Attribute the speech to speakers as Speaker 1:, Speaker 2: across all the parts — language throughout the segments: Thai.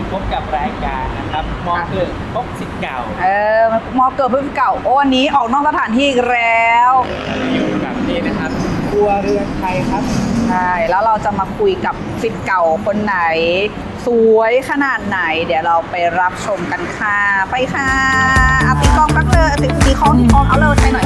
Speaker 1: พบกับรายการนะครับมองเกิดพบสิทธิ์เก่าม
Speaker 2: อเกิดเพื่อนเก่าโอ้วันนี้ออกนอกสถานที่อีกแล้ว
Speaker 1: อยู่กับนี่นะครับครัวเรือนไทยครับ
Speaker 2: ใช่แล้วเราจะมาคุยกับสิทธิ์เก่าคนไหนสวยขนาดไหนเดี๋ยวเราไปรับชมกันค่ะไปค่ะตีกลองปักเลยตีคล้องเอาเลยใช่หน่อย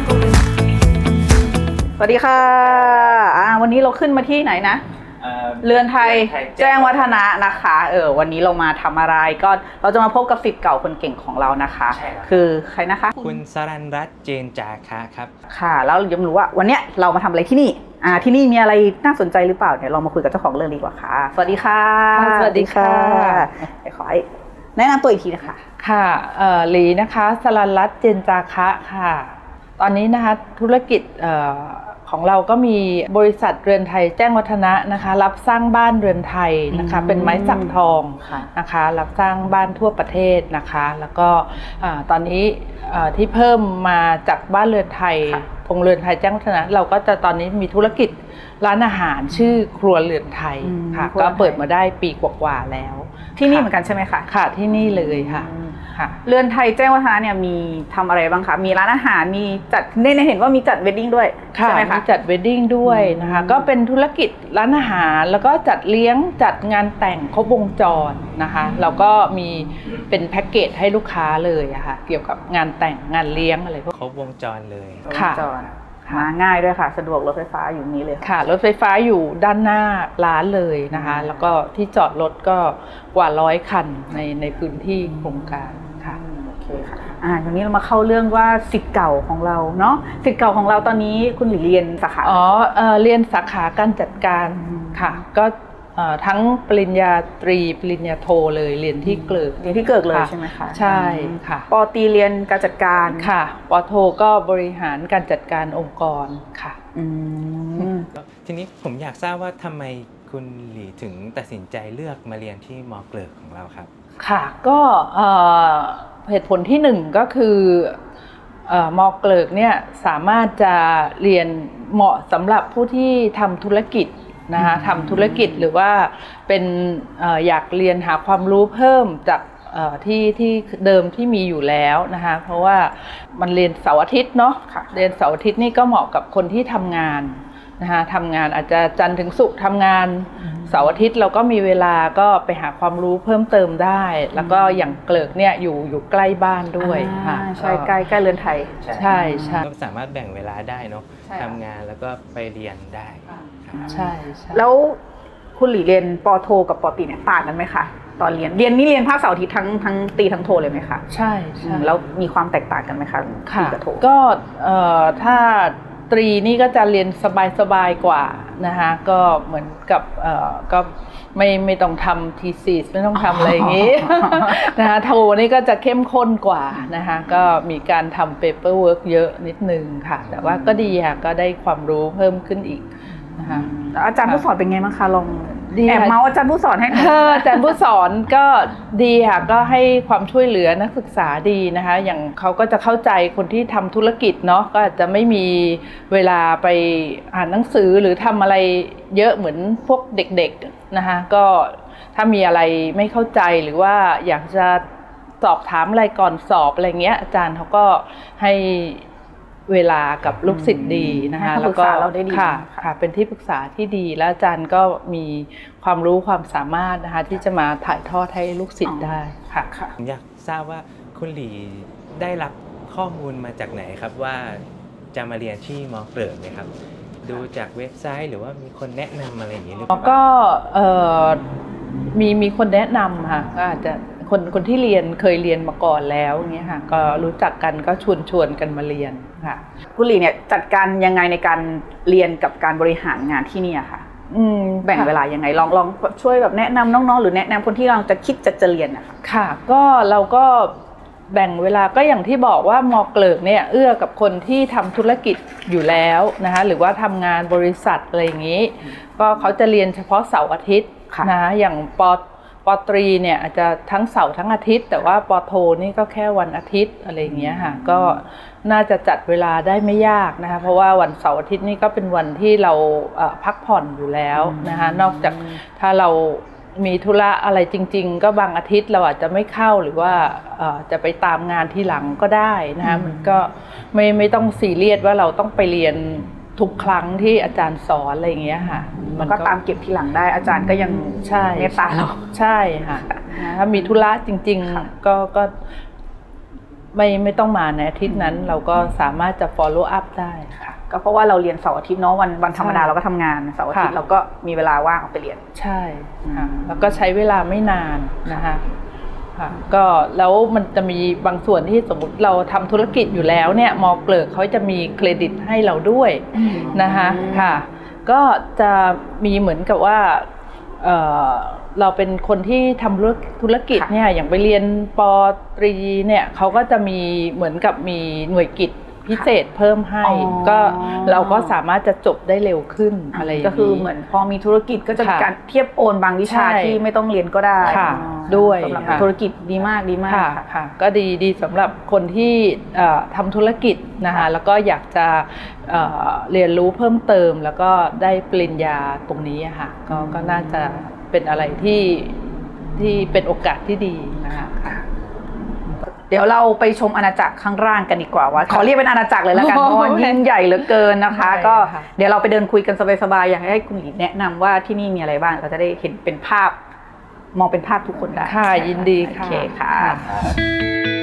Speaker 2: สวัสดีค่ะวันนี้เราขึ้นมาที่ไหนนะเรือนไทยแจ้งวัฒนะนะคะวันนี้เรามาทำอะไรก็เราจะมาพบกับศิษย์เก่าคนเก่งของเรานะคะคือใครนะคะ
Speaker 1: คุณสรัญรัตน์เจนจาคะครับ
Speaker 2: ค่ะแล้วยังรู้ว่าวันเนี้ยเรามาทำอะไรที่นี่ที่นี่มีอะไรน่าสนใจหรือเปล่าเดี๋ยวเรามาคุยกับเจ้าของเรื่องดีกว่าค่ะสวัสดีค่ะ
Speaker 3: สวัสดีค่ะ
Speaker 2: ขอให้แนะนำตัวอีกทีนะคะ
Speaker 3: ค่ะหลีนะคะสรัญรัตน์เจนจาคะค่ะตอนนี้นะคะธุรกิจของเราก็มีบริษัทเรือนไทยแจ้งวัฒนะนะคะรับสร้างบ้านเรือนไทยนะคะเป็นไม้สักทองนะคะรับสร้างบ้านทั่วประเทศนะคะแล้วก็ตอนนี้ที่เพิ่มมาจากบ้านเรือนไทยโรงเรือนไทยแจ้งวัฒนะเราก็จะตอนนี้มีธุรกิจร้านอาหารชื่อครัวเรือนไทยค่ะก็เปิดมาได้ปีกว่าๆแล้ว
Speaker 2: ที่นี่เหมือนกันใช่ไหมคะ
Speaker 3: ค่ะที่นี่เลยค่ะ
Speaker 2: เรือนไทยแจ้งวัฒนะเนี่ยมีทำอะไรบ้างคะมีร้านอาหารมีจัดได้เห็นว่ามีจัดเวดดิ้งด้วยใช่ไหมคะ
Speaker 3: มีจัดเวดดิ้งด้วยนะคะก็เป็นธุรกิจร้านอาหารแล้วก็จัดเลี้ยงจัดงานแต่งครบวงจรนะคะเราก็มีเป็นแพ็กเกจให้ลูกค้าเลยอะค่ะเกี่ยวกับงานแต่งงานเลี้ยงอะไรพวก
Speaker 1: ครบวงจรเลย
Speaker 3: ค่ะ
Speaker 2: มาง่ายด้วยค่ะสะดวกรถไฟฟ้าอยู่นี้เลย
Speaker 3: ค่ะรถไฟฟ้าอยู่ด้านหน้าร้านเลยนะคะแล้วก็ที่จอดรถก็กว่า100 คันในพื้นที่โครงการค่ะ
Speaker 2: โอเคค่ะวันนี้เรามาเข้าเรื่องว่าศิษย์เก่าของเราเนาะศิษย์เก่าของเราตอนนี้คุณหลีเรียนสาขา
Speaker 3: เรียนสาขาการจัดการค่ะก็ทั้งปริญญาตรีปริญญาโทเลยเรียนที่เกิด
Speaker 2: เลยใช่ไหมคะ
Speaker 3: ใช่ค่ะ
Speaker 2: ป.ตรีเรียนการจัดการ
Speaker 3: ค่ะป.โทก็บริหารการจัดการองค์กรค่ะ
Speaker 1: ทีนี้ผมอยากทราบว่าทำไมคุณหลีถึงตัดสินใจเลือกมาเรียนที่ม.เกริกของเราครับ
Speaker 3: ค่ะก็เหตุผลที่หนึ่งก็คือม.เกริกเนี่ยสามารถจะเรียนเหมาะสำหรับผู้ที่ทำธุรกิจนะคะทำธุรกิจหรือว่าเป็นอยากเรียนหาความรู้เพิ่มจากที่เดิมที่มีอยู่แล้วนะคะเพราะว่ามันเรียนเสาร์อาทิตย์เนาะเรียนเสาร์อาทิตย์นี่ก็เหมาะกับคนที่ทำงานนะคะทำงานอาจจะจันทร์ถึงศุกร์ทำงานเสาร์อาทิตย์เราก็มีเวลาก็ไปหาความรู้เพิ่มเติมได้แล้วก็อย่างเกริกเนี่ยอยู่ใกล้บ้านด้วย
Speaker 2: ค่ะใช่ใกล้เรือนไทย
Speaker 3: ใช่
Speaker 1: ก็สามารถแบ่งเวลาได้เนาะทำงานแล้วก็ไปเรียนได้
Speaker 3: ใช่
Speaker 2: แล้วคุณหลีเรียนป.โทกับป.ตรีเนี่ยต่างกันไหมคะตอนเรียนภาคเสาร์อาทิตย์ทั้งตรีทั้งโทเลยไหมคะ
Speaker 3: ใช่
Speaker 2: แล้วมีความแตกต่างกันไหมคะ
Speaker 3: ตรีกับโทก็ถ้าตรีนี่ก็จะเรียนสบายกว่านะคะก็เหมือนกับก็ไม่ต้องทำทีซีไม่ต้องทำอะไรอย่างนี้นะคะโทนี่ก็จะเข้มข้นกว่านะคะก็มีการทำเปเปอร์เวิร์กเยอะนิดนึงค่ะแต่ว่าก็ดีค่ะก็ได้ความรู้เพิ่มขึ้นอีกนะคะ
Speaker 2: อาจารย์ผู้สอนเป็นไงบ้างคะลองแอบเมาอาจารย์ผู้สอนให้
Speaker 3: อาจารย์ผู้สอนก็ดีค่ะก็ให้ความช่วยเหลือนักศึกษาดีนะคะอย่างเขาก็จะเข้าใจคนที่ทำธุรกิจเนาะก็อาจจะไม่มีเวลาไปอ่านหนังสือหรือทำอะไรเยอะเหมือนพวกเด็กๆนะคะก็ถ้ามีอะไรไม่เข้าใจหรือว่าอยากจะสอบถามอะไรก่อนสอบอะไรเงี้ยอาจารย์เขาก็ให้เวลากับลูกศิษย์ดีนะคะแล้วก็ค่ะเป็นที่ปรึกษาที่ดีแล้วอาจารย์ก็มีความรู้ความสามารถนะคะที่จะมาถ่ายทอดให้ลูกศิษย์ได้ค่ะ
Speaker 1: ผมอยากทราบว่าคุณหลีได้รับข้อมูลมาจากไหนครับว่าจะมาเรียนที่ม.เกริกไหมครับดูจากเว็บไซต์หรือว่ามีคนแนะนำอะไรอย่างนี้หรือเปล่า
Speaker 3: ก็มีคนแนะนำค่ะก็อาจจะคนที่เคยเรียนมาก่อนแล้วอย่างเงี้ยค่ะก็รู้จักกันก็ชวนกันมาเรียนค่ะ
Speaker 2: คุณหลีเนี่ยจัดการยังไงในการเรียนกับการบริหารงานที่นี่ค่ะแบ่งเวลายังไงลองช่วยแบบแนะนำน้องๆหรือแนะนำคนที่กำลังจะคิดจะเรียนนะคะ
Speaker 3: ค่ะก็เราก็แบ่งเวลาก็อย่างที่บอกว่าม.เกริกเนี่ยเอื้อกับคนที่ทำธุรกิจอยู่แล้วนะคะหรือว่าทำงานบริษัทอะไรอย่างนี้ก็เขาจะเรียนเฉพาะเสาร์อาทิตย์นะอย่างป.ตรีเนี่ยอาจจะทั้งเสาร์ทั้งอาทิตย์แต่ว่าป.โทนี่ก็แค่วันอาทิตย์อะไรอย่างเงี้ยค่ะก็น่าจะจัดเวลาได้ไม่ยากนะคะเพราะว่าวันเสาร์อาทิตย์นี่ก็เป็นวันที่เราพักผ่อนอยู่แล้วนะคะนอกจากถ้าเรามีธุระอะไรจริงๆก็บางอาทิตย์เราอาจจะไม่เข้าหรือว่าจะไปตามงานที่หลังก็ได้นะคะมันก็ไม่ต้องซีเรียสว่าเราต้องไปเรียนทุกครั้งที่อาจารย์สอนอะไรอย่างเงี้ยค่ะ
Speaker 2: มันก็ตามเก็บทีหลังได้อาจารย์ก็ยัง
Speaker 3: ใช่
Speaker 2: เมตตาเรา
Speaker 3: ใช่ค่ะถ้ามีธุระจริงๆก็ไม่ต้องมาในอาทิตย์นั้นเราก็สามารถจะ follow up ได้ค่ะ
Speaker 2: ก็เพราะว่าเราเรียนเสาร์อาทิตย์เนาะวันธรรมดาเราก็ทำงานเสาร์อาทิตย์เราก็มีเวลาว่างออกไปเรียน
Speaker 3: ใช่ค่ะแล้วก็ใช้เวลาไม่นานนะคะค่ะก็แล้วมันจะมีบางส่วนที่สมมติเราทำธุรกิจอยู่แล้วเนี่ยมอเกลิกเขาจะมีเครดิตให้เราด้วยนะคะค่ะก็จะมีเหมือนกับว่าเราเป็นคนที่ทำธุรกิจเนี่ยอย่างไปเรียนป.ตรีเนี่ยเขาก็จะมีเหมือนกับมีหน่วยกิจพิเศษเพิ่มให้ก็เราก็สามารถจะจบได้เร็วขึ้นอะไรอย่างนี้
Speaker 2: ก็คือเหมือนพอมีธุรกิจก็จะมีการเทียบโอนบางวิชาที่ไม่ต้องเรียนก็ได้
Speaker 3: ด้วย
Speaker 2: สำหรับธุรกิจดีมาก
Speaker 3: ค่ะก็ดีสำหรับคนที่ทำธุรกิจนะคะแล้วก็อยากจะเรียนรู้เพิ่มเติมแล้วก็ได้ปริญญาตรงนี้ค่ะก็น่าจะเป็นอะไรที่เป็นโอกาสที่ดีนะคะ
Speaker 2: เดี๋ยวเราไปชมอาณาจักรข้างล่างกันดีกว่าว่าขอเรียกเป็นอาณาจักรเลยแล้วกันเพราะว่ายิ่งใหญ่เหลือเกินนะคะก็เดี๋ยวเราไปเดินคุยกันสบายๆอยากให้คุณหลีแนะนำว่าที่นี่มีอะไรบ้างเราจะได้เห็นเป็นภาพมองเป็นภาพทุกคนได้
Speaker 3: ค่ะยินดีค่ะ
Speaker 2: โอเคค่ะ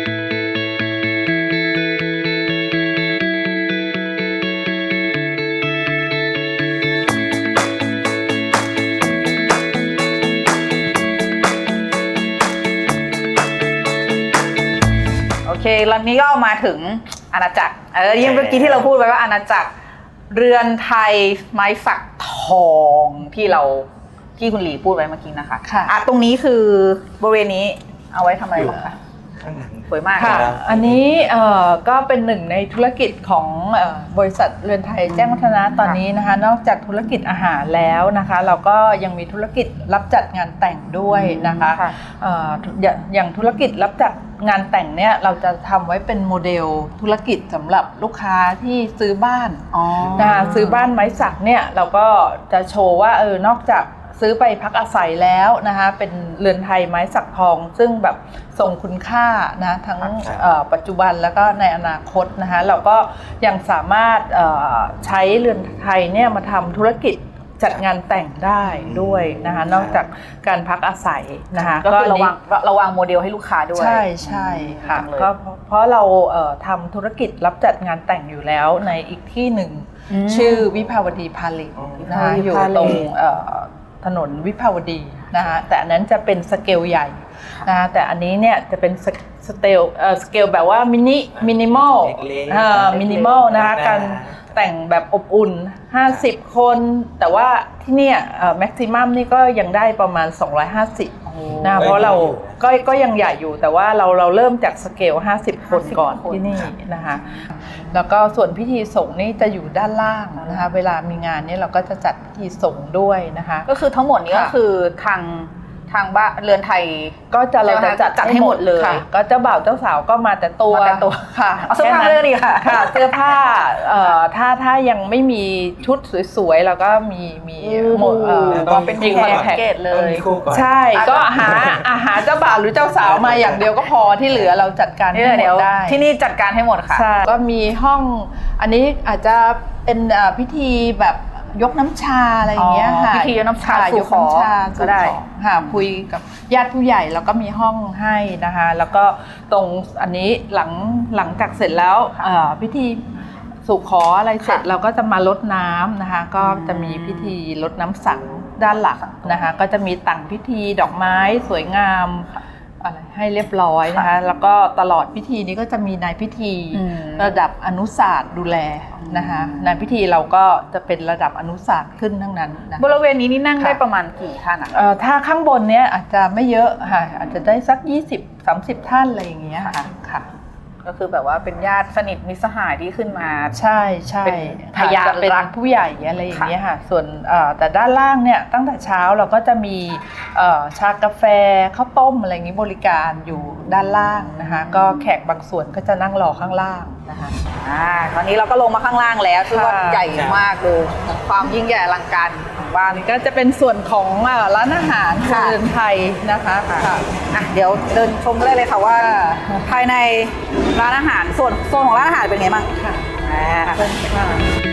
Speaker 2: โอเคแล้วนี้ก็มาถึงอาณาจักรยิ่งเมื่อกี้ที่เราพูดไว้ว่าอาณาจักรเรือนไทยไม้สักทองที่คุณหลีพูดไว้เมื่อกี้นะคะตรงนี้คือบริเวณนี้เอาไว้ทำอะไรบ้างคะสวยมาก
Speaker 3: ค่ะอันนี้ก็เป็นหนึ่งในธุรกิจของบริษัทเรือนไทยแจ้งวัฒนะตอนนี้นะคะนอกจากธุรกิจอาหารแล้วนะคะเราก็ยังมีธุรกิจรับจัดงานแต่งด้วยนะคะอย่างธุรกิจรับจัดงานแต่งเนี่ยเราจะทำไว้เป็นโมเดลธุรกิจสำหรับลูกค้าที่ซื้อบ้านนะคะซื้อบ้านไม้สักเนี่ยเราก็จะโชว์ว่านอกจากซื้อไปพักอาศัยแล้วนะคะเป็นเรือนไทยไม้สักทองซึ่งแบบทรงคุณค่านะทั้งปัจจุบันแล้วก็ในอนาคตนะคะเราก็ยังสามารถใช้เรือนไทยเนี่ยมาทำธุรกิจจัดงานแต่งได้ด้วยนะคะนอกจากการพักอาศัยนะคะ
Speaker 2: ก็คือระวังโมเดลให้ลูกค้าด้วย
Speaker 3: ใช่ค่ะก็เพราะเราทำธุรกิจรับจัดงานแต่งอยู่แล้วในอีกที่หนึ่งชื่อวิภาวดีพาเลทนะคะอยู่ตรงถนนวิภาวดีนะคะแต่อันนั้นจะเป็นสเกลใหญ่นะคะแต่อันนี้เนี่ยจะเป็นสเกลแบบว่ามินิมอลนะคะการแต่งแบบอบอุ่น50คนแต่ว่าที่เนี่ยแม็กซิมัมนี่ก็ยังได้ประมาณ250นะเพราะเราก็ยังใหญ่อยู่แต่ว่าเราเริ่มจากสเกล50คนก่อนที่นี่นะคะแล้วก็ส่วนพิธีสงฆ์นี่จะอยู่ด้านล่างนะคะเวลามีงานนี่เราก็จะจัดพิธีสงฆ์ด้วยนะคะ
Speaker 2: ก็คือทั้งหมดนี้ก็คือทางบ้านเรือนไทย
Speaker 3: ก็เราจะจัดให้หมดเลยก็เจ้าบ่าวเจ้าสาวก็มาแต่ตัว
Speaker 2: ค่ะเสื้อผ้าเรื่องนี้ค่ะ
Speaker 3: เสื้อผ้าถ้ายังไม่มีชุดสวยๆเราก็มีหมดก็เป็นคอนแทคเลยใช่ก็หาเจ้าบ่าวหรือเจ้าสาวมาอย่างเดียวก็พอที่เหลือเราจัดการให้หมดได้
Speaker 2: ที่นี่จัดการให้หมดค่ะ
Speaker 3: ก็มีห้องอันนี้อาจจะเป็นพิธีแบบยกน้ำชาอะไรอย่างเงี้ยค่ะ
Speaker 2: พิธียกน้ำชาสู่ขอ
Speaker 3: ก็ได้ค่ะคุยกับญาติผู้ใหญ่แล้วก็มีห้องให้นะคะแล้วก็ตรงอันนี้หลังจากเสร็จแล้วพิธีสู่ขออะไรเสร็จเราก็จะมารดน้ำนะคะก็จะมีพิธีรดน้ำสังด้านหลังนะคะก็จะมีต่างพิธีดอกไม้สวยงามอะไรให้เรียบร้อยนะคะแล้วก็ตลอดพิธีนี้ก็จะมีนายพิธีระดับอนุศาสตร์ดูแลนะคะนายพิธีเราก็จะเป็นระดับอนุศาสตร์ขึ้นทั้งนั้นนะ
Speaker 2: บริเวณนี้นี่นั่งได้ประมาณกี่ท่านอ่ะ
Speaker 3: ถ้าข้างบนเนี้ยอาจจะไม่เยอะค่ะอาจจะได้สัก20-30ท่านอะไรอย่างเงี้ยค่ะ
Speaker 2: ก็คือแบบว่าเป็นญาติสนิทมิตรสหายที่ขึ้นมา
Speaker 3: ใช่เป็นพยานเป็นผู้ใหญ่อะไรอย่างเงี้ยค่ะส่วนแต่ด้านล่างเนี่ยตั้งแต่เช้าเราก็จะมีชากาแฟข้าวต้มอะไรอย่างงี้บริการอยู่ด้านล่างนะคะก็แขกบางส่วนก็จะนั่งรอข้างล่างนะคะ
Speaker 2: ตอนนี้เราก็ลงมาข้างล่างแล้วซึ่งว่าใหญ่มากดูความยิ่งใหญ่อลังการบ้าน
Speaker 3: อันนี้ก็จะเป็นส่วนของร้านอาหารครัวเรือนไทยนะคะค่ะ
Speaker 2: อ่ะเดี๋ยวเดินชมกันได้เลยค่ะว่าภายในร้านอาหารส่วนของร้านอาหารเป็นไงบ้าง
Speaker 3: ค่ะ
Speaker 2: อ่า
Speaker 3: เชิญค่ะ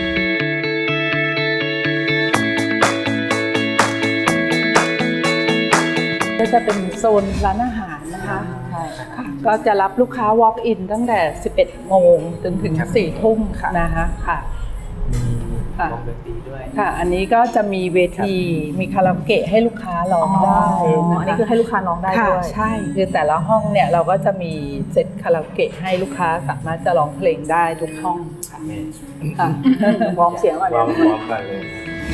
Speaker 3: ก็จะเป็นโซนร้านอาหารนะคะค่ะก็จะรับลูกค้า walk in ตั้งแต่ 11 โมงจนถึง 4 ทุ่มนะคะค่ะ
Speaker 1: มีวงดนตรีด้วย
Speaker 3: ค่ะ อันนี้ก็จะมีเวทีมีคาราโอเกะให้ลูกค้าร้องได้
Speaker 2: อันนี้คือให้ลูกค้าร้องได้
Speaker 3: ค่ะ
Speaker 2: ด้วย
Speaker 3: ใช่คือแต่ละห้องเนี่ยเราก็จะมีเซตคาราโอเกะให้ลูกค้าสามารถจะร้องเพลงได้ทุกห้องค่ะ
Speaker 2: วอร์มเสียงก่อน
Speaker 1: วอ
Speaker 2: เนี่
Speaker 1: ร์
Speaker 2: ย
Speaker 1: มกันเลย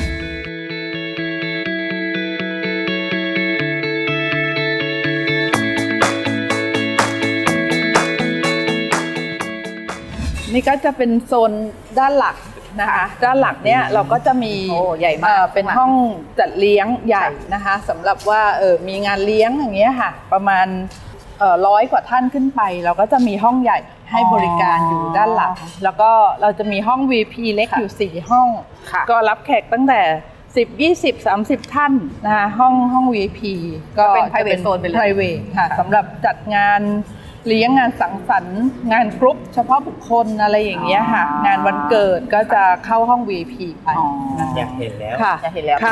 Speaker 3: นี่ก็จะเป็นโซนด้านหลักนะคะด้านหลักเนี่ยเราก็จะมี
Speaker 2: โอ้ใหญ่มาก
Speaker 3: เป็นห้องจัดเลี้ยงใหญ่นะคะสำหรับว่ามีงานเลี้ยงอย่างเงี้ยค่ะประมาณ100 กว่าท่านขึ้นไป เราก็จะมีห้องใหญ่ให้บริการอยู่ด้านหลังแล้วก็เราจะมีห้อง VP เล็กอยู่4ห้อง
Speaker 2: ค่ะ
Speaker 3: ก็รับแขกตั้งแต่10 20 30 ท่านนะคะห้อง VIP ก็
Speaker 2: เป็น
Speaker 3: จะ
Speaker 2: private zone ไปเลย
Speaker 3: private ค่ะสำหรับจัดงานเลี้ยงงานสังสรรค์งานกรุ๊ปเฉพาะบุคคลอะไรอย่างเงี้ยค่ะงานวันเกิดก็จะเข้าห้อง VIP ไปนะคะ
Speaker 1: อยากเห็นแล้ว
Speaker 3: ค่ะ
Speaker 2: อยากเห็นแล้ว
Speaker 3: ค่ะ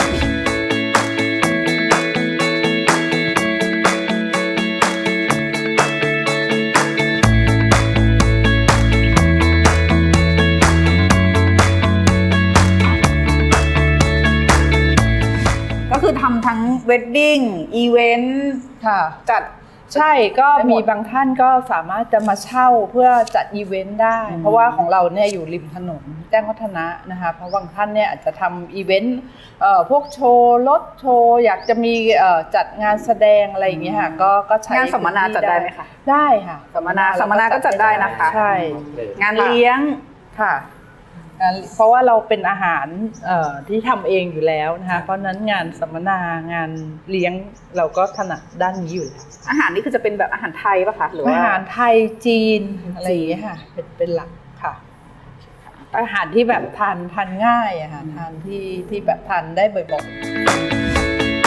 Speaker 2: ก็คือทำทั้งเวดดิ้งอีเวนต์
Speaker 3: ค่ะ
Speaker 2: จัด
Speaker 3: ใช่ก็
Speaker 2: ได้หมด
Speaker 3: มีบางท่านก็สามารถจะมาเช่าเพื่อจัดอีเวนต์ได้ เพราะว่าของเราเนี่ยอยู่ริมถนนแจ้งวัฒนะนะคะเพราะบางท่านเนี่ยอาจจะทำอีเวนต์พวกโชว์รถโชว์อยากจะมีจัดงานแสดงอะไรอย่างเงี้ยค่ะก็ใช้
Speaker 2: งานสัมมนาจัดได้ไหมคะ
Speaker 3: ได้ค่ะ
Speaker 2: สัมมนาก็จัดได้นะคะ
Speaker 3: ใช่
Speaker 2: งานเลี้ยง
Speaker 3: ค่ะเพราะว่าเราเป็นอาหารที่ทำเองอยู่แล้วนะคะเพราะฉะนั้นงานสัมมนางานเลี้ยงเราก็ถนัดด้านนี้อยู่แล้ว
Speaker 2: อาหารนี่คือจะเป็นแบบอาหารไทยป่ะคะหรือว่า
Speaker 3: อาหารไทยจีนอะไรอย่างเงี้ยค่ะเป็นหลักค่ะ อาหารที่แบบทานง่ายอะค่ะทานที่แบบทานได้บ่อยๆ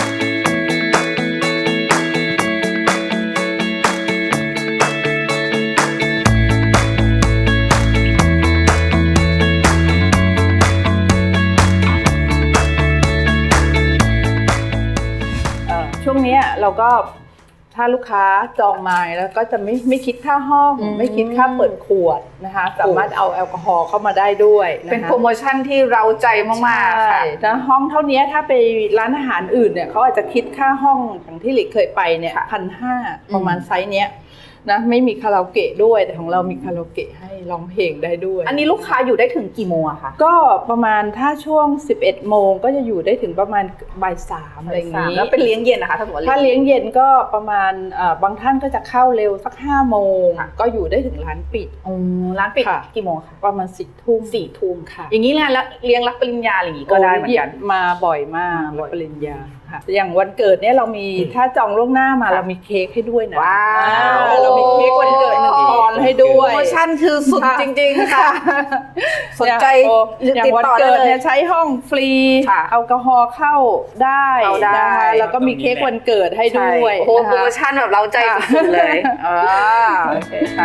Speaker 3: ช่วงนี้เราก็ถ้าลูกค้าจองมาแล้วก็จะไม่คิดค่าห้อง ไม่คิดค่าเปิดขวดนะคะสามารถเอาแอลกอฮอล์เข้ามาได้ด้วยนะคะ
Speaker 2: เป็นโปรโมชั่นที่เราใจมากๆ
Speaker 3: ใช่
Speaker 2: ค่ะ
Speaker 3: แล้วห้องเท่านี้ถ้าไปร้านอาหารอื่นเนี่ยเขาอาจจะคิดค่าห้องอย่างที่หลิกเคยไปเนี่ย1,500ประมาณไซส์เนี้ยนะไม่มีคาราโอเกะด้วยแต่ของเรามีคาราโอเกะให้ร้องเพลงได้ด้วย
Speaker 2: อันนี้ลูกค้าอยู่ได้ถึงกี่โมงอะคะ
Speaker 3: ก็ประมาณถ้าช่วง 11 โมงก็จะอยู่ได้ถึงประมาณบ่าย 3อะไรอย่างนี้
Speaker 2: แล้วเป็นเลี้ยงเย็นนะคะถ้าสมมติ
Speaker 3: ถ้าเลี้ยงเย็นก็ประมาณบางท่านก็จะเข้าเร็วสัก5 โมง
Speaker 2: ค่ะ
Speaker 3: ก็อยู่ได้ถึงร้านปิด
Speaker 2: ร้านปิด
Speaker 3: ค่ะ
Speaker 2: กี่โมงคะ
Speaker 3: ประมาณ4 ทุ่ม
Speaker 2: 4 ทุ่ม
Speaker 3: ค่ะ
Speaker 2: อย่างนี้แล้วเลี้ยงรับปริญญาอะไรอย่างงี้ก็ได้เหมือนกัน
Speaker 3: มาบ่อยมาก
Speaker 2: บ่อย
Speaker 3: ปริญญาค่ะอย่างวันเกิดเนี่ยเรามีถ้าจองล่วงหน้ามา
Speaker 2: ค่ะ
Speaker 3: เรามีเค้กให้ด้วยนะ
Speaker 2: ว้าว
Speaker 3: เรามีเค้กวันเกิด1 ปอนด์ให้ด้ว
Speaker 2: โปร
Speaker 3: ย
Speaker 2: โมชั่นคือสุดจริงๆค่ะ สนใจ
Speaker 3: อย่าง
Speaker 2: ติด
Speaker 3: วัน
Speaker 2: ต่อได้
Speaker 3: เกิด
Speaker 2: เลย
Speaker 3: เนี่ยใช้ห้องฟรี
Speaker 2: ค่ะ
Speaker 3: แอลกอฮอล์เข้าได้
Speaker 2: เข้าได้
Speaker 3: นะคะแล้วก็มีเค้กวันเกิดให้ด้วย
Speaker 2: โอ้โห
Speaker 3: นะคะ
Speaker 2: โปรโมชั่นแบบเราใจสุดๆเลยโอเคค่ะ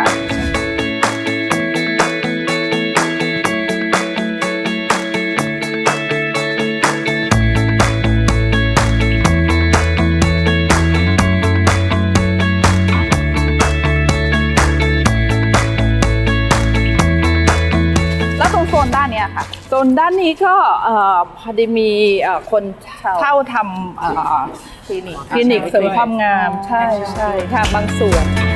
Speaker 2: แล้วตรงโซนด้านเนี้ยค่ะ
Speaker 3: โซนด้านนี้ก็พอดีมีคนเช่าทำคลินิกเสริมความงามใช่ใช่ค่ะบางส่วน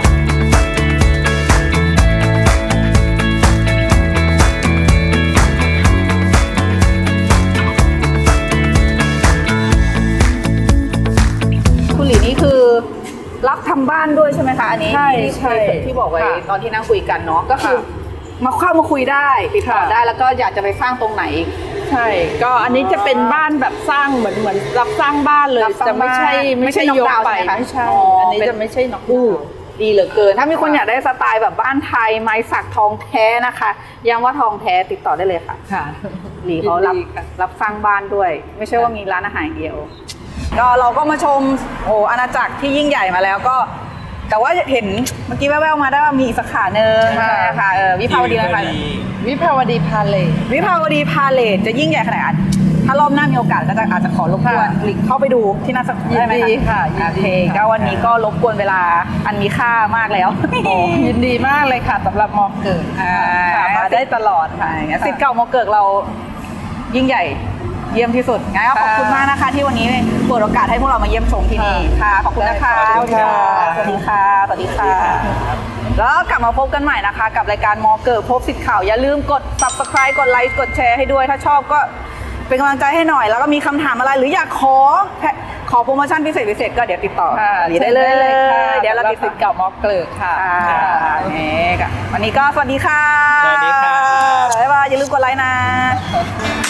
Speaker 2: คุณหลีนี่คือรับทำบ้านด้วยใช่ไหมคะอันนี้
Speaker 3: ใช่
Speaker 2: ที่บอกไว้
Speaker 3: ค่ะ
Speaker 2: ตอนที่นั่งคุยกันเนาะก็คือ
Speaker 3: ค่ะ
Speaker 2: มาคุยได้ติดต่อ
Speaker 3: ค่ะ
Speaker 2: ได้แล้วก็อยากจะไปสร้างตรงไหน
Speaker 3: ใช่ก็อันนี้จะเป็นบ้านแบบสร้างเหมือนรับสร้างบ้านเลย
Speaker 2: รับสร้าง
Speaker 3: จะไม่ใช่
Speaker 2: บ้าน
Speaker 3: ไม่ใช่
Speaker 2: ไม่ใช่
Speaker 3: ยก
Speaker 2: knock down
Speaker 3: ไป
Speaker 2: ใช่ไหมคะ
Speaker 3: ไม่ใช่
Speaker 2: อ๋ออั
Speaker 3: อันนี้
Speaker 2: เป็น
Speaker 3: จะไม่ใช่น็อก
Speaker 2: อู้
Speaker 3: ดาวน์
Speaker 2: ดีเหลือเกิน ถ้ามีคนอยากได้สไตล์แบบบ้านไทยไม้สักทองแท้นะคะย้ำว่าทองแท้ติดต่อได้เลยค่ะ
Speaker 3: ค่ะ
Speaker 2: หลีเขารับ
Speaker 3: ยินดีค่ะ
Speaker 2: รับสร้างบ้านด้วย ไม่ใช่ว่ามีร้านอาหารอย่างเดียว ก็เราก็มาชมอาณาจักรที่ยิ่งใหญ่มาแล้วก็ แต่ว่าเห็นเมื่อกี้แว่วๆมาได้ว่ามีอีกสาขาหนึ่งใช่ไหมคะวิภาวดีนะคะ
Speaker 3: วิภาวดีพาเลท
Speaker 2: วิภาวดีพาเลทจะยิ่งใหญ่ขนาดไหนถ้ารอบหน้ามีโอกาสก็จะอาจจะขอรบกวน
Speaker 3: ค่ะ
Speaker 2: หลีกเข้าไปดูที่นั่นสัก
Speaker 3: ยิน
Speaker 2: ได้ไหม
Speaker 3: ดี
Speaker 2: คะ
Speaker 3: ค่ะยิน
Speaker 2: โอ
Speaker 3: ดี
Speaker 2: เค
Speaker 3: ค่ะ
Speaker 2: ก็วันนี้ก็รบกวนเวลาอันมีค่ามากแล้ว
Speaker 3: โอ้ยินดีมากเลยค่ะสำหรับมอเกิด
Speaker 2: อ่า
Speaker 3: ค่ะมาได้ตลอดค่ะ
Speaker 2: สิทธิ์เก่ามอเกิดเรายิ่งใหญ่เยี่ยมที่สุดงั้นก็ขอบคุณมากนะคะ ที่วันนี้เปิดโอกาสให้พวกเรามาเยี่ยมชมที่นี่ค่ะขอบคุณนะคะ
Speaker 3: ขอบคุณค่ะ
Speaker 2: สวัสดีค่ะสวัสดีค่ะ แล้วกลับมาพบกันใหม่นะคะ กับรายการมอเกิดพบสิทธิ์ข่าวอย่าลืมกด subscribe กดไลค์กดแชร์ให้ด้วยถ้าชอบก็เป็นกำลังใจให้หน่อย แล้วก็มีคำถามอะไรหรืออยากขอโปรโมชั่นพิเศษก็เดี๋ยวติดต่อ
Speaker 3: ค่ะ
Speaker 2: หลีได้เลย
Speaker 3: ค่ะ
Speaker 2: เดี๋ยวเรา
Speaker 3: สำห
Speaker 2: ติด
Speaker 3: สิทธิ์เก่ามอเกิดค่ะ
Speaker 2: วันนี้ก็สวัสดีค่ะ
Speaker 1: สวัสดีครับ
Speaker 2: บ๊ายบายอย่าลืมกดไลค์นะ